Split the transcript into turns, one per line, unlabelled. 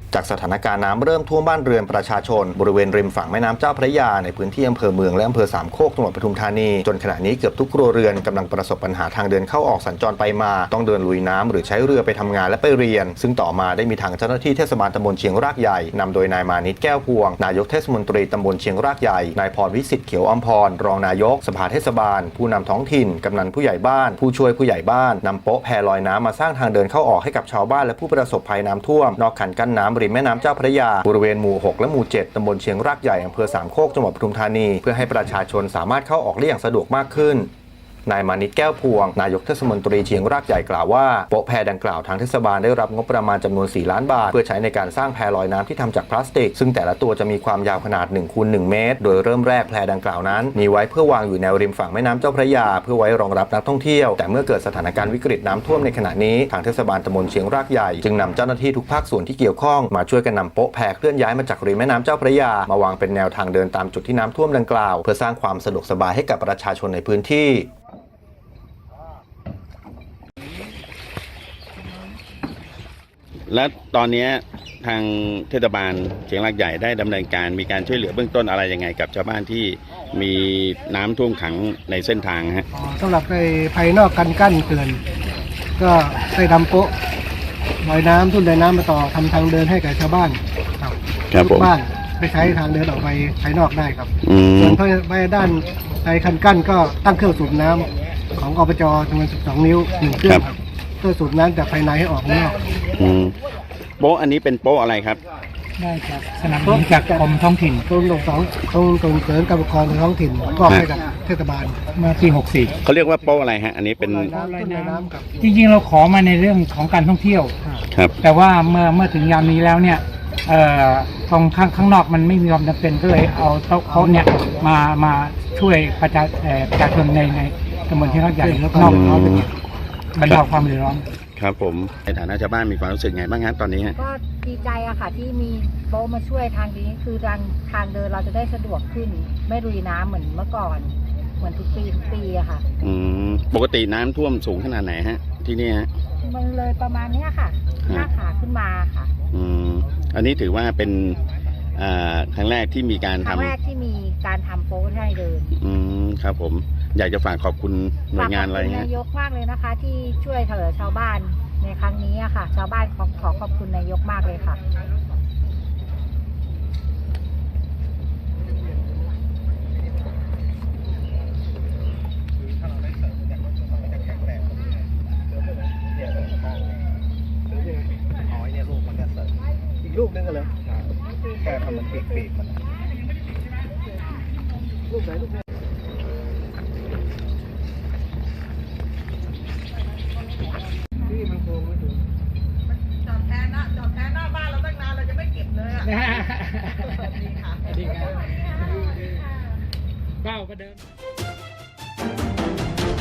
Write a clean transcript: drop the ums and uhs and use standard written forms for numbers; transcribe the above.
จากสถานการณ์น้ำเริ่มท่วมบ้านเรือนประชาชนบริเวณริมฝั่งแม่น้ำเจ้าพระยาในพื้นที่อำเภอเมืองและอำเภอสามโคกจังหวัดปทุมธานีจนขณะนี้เกือบทุกครัวเรือนกำลังประสบปัญหาทางเดินเข้าออกสัญจรไปมาต้องเดินลุยน้ำหรือใช้เรือไปทำงานและไปเรียนซึ่งต่อมาได้มีทางเจ้าหน้าที่เทศบาลตำบลเชียงรากใหญ่นำโดยนายมานิตแก้วพวงนายกเทศมนตรีตำบลเชียงรากใหญ่นายพรวิสิทธิ์เขียวอมพรรองนายกสภาเทศบาลผู้นำท้องถิ่นกำนันผู้ใหญ่บ้านผู้ช่วยผู้ใหญ่บ้านนำโป๊ะแพลอยน้ำมาสร้างทางเดินเข้าออกให้กับชาวบ้านและผู้ประสบภัยน้ำท่วมนอกคันกั้นน้ำริมแม่น้ำเจ้าพระยาบริเวณหมู่ 6 และหมู่ 7 ตำบลเชียงรากใหญ่อำเภอสามโคกจังหวัดปทุมธานีเพื่อให้ประชาชนสามารถเข้าออกได้อย่างสะดวกมากขึ้นนายมานิตแก้วพวงนายกเทศมนตรีเชียงรากใหญ่กล่าวว่าโป๊ะแพดังกล่าวทางเทศบาลได้รับงบประมาณจำนวน4 ล้านบาทเพื่อใช้ในการสร้างแพลอยน้ำที่ทำจากพลาสติกซึ่งแต่ละตัวจะมีความยาวขนาด1 คูณ 1 เมตรโดยเริ่มแรกแพดังกล่าวนั้นมีไว้เพื่อวางอยู่แนวริมฝั่งแม่น้ำเจ้าพระยาเพื่อไว้รองรับนักท่องเที่ยวแต่เมื่อเกิดสถานการณ์วิกฤตน้ำท่วมในขณะนี้ทางเทศบาลตำบลเชียงรากใหญ่จึงนำเจ้าหน้าที่ทุกภาคส่วนที่เกี่ยวข้องมาช่วยกันนำโป๊ะแพเคลื่อนย้ายมาจากริมแม่น้ำเจ้าพระยามาวางเป็นแนวทางเดินตามจุดที่น้ำท่วมดังกล่าวเพื่อสร้างความสะดวกสบายให้กับประชาชนในพื้นที่
และตอนนี้ทางเทศบาลเชียงรากใหญ่ได้ดำเนินการมีการช่วยเหลือเบื้องต้นอะไรยังไงกับชาวบ้านที่มีน้ำท่วมขังในเส้นทางฮะ
สำหรับในภายนอกกันกั้นเขื่อนก็ได้ทำโป๊ะลอยน้ำทุ่นลอยน้ำมาต่อทำทางเดินให้กับชาวบ้านครับทุกบ้านไปใช้ทางเดินออกไปภายนอกได้ครับส่วนภายด้านในคันกั้นก็ตั้งเครื่องสูบน้ำของอบจจำนวน12 นิ้ว1 เครื่องครับเพื่อสูบน้ำจากภายในให้ออกนอก
โป๊ะอันนี้เป็นโป๊ะอะไรครับ
ได้ครับสนับสนุนจากกรมท้องถิ่น
กรมส่งเสริมการปกครองท้องถิ่นมอบให้กับเทศบาล
เมื่อปี64
เขาเรียกว่าโป๊ะอะไรฮะอันนี้เป็น
ลอยน้ำครับ
จริงๆเราขอมาในเรื่องของการท่องเที่ยว
ครับ
แต่ว่าเมื่อถึงยามนี้แล้วเนี่ยตรงข้างนอกมันไม่มีความจำเป็นก็เลยเอาโต๊ะเนี่ยมาช่วยประชาชนในตำบลที่เขาใหญ่แล้วก็นอกบรรเทาความเดือดร้อน
ครับผมในฐานะชาวบ้านมีความรู้สึกไงบ้างฮะตอนนี้
ก็ดีใจอะค่ะที่มีโป๊ะมาช่วยทางนี้คือทางเดินเราจะได้สะดวกขึ้นไม่ลุยน้ำเหมือนเมื่อก่อนเหมือนทุกปีอะค่ะ
ปกติน้ำท่วมสูงขนาดไหนฮะที่นี่ฮะ
มันเลยประมาณนี้ค่ะหน้าขาขึ้นมาค่ะ
อันนี้ถือว่าเป็นครั้งแรกที่มีการทำ
โป๊ะให้เดิน
ครับผมอยากจะฝากขอบคุณหน่วยงานอะไรเงี้ย
นายกมากเลยนะคะที่ช่วยเหลือชาวบ้านในครั้งนี้อะค่ะชาวบ้านขอขอบคุณนายกมากเลยค่ะ
อีกลูกนึงกันเลยแค่ทำมันปีกมันลูกไหนลูกไหนที่มันโค้งไม่ถึง
จอดแทนหน้าบ้านเราตั้งนานเราจะไม่เก็บเลยอ่ะดีค่ะ
ดีครับก้าวก็เดิน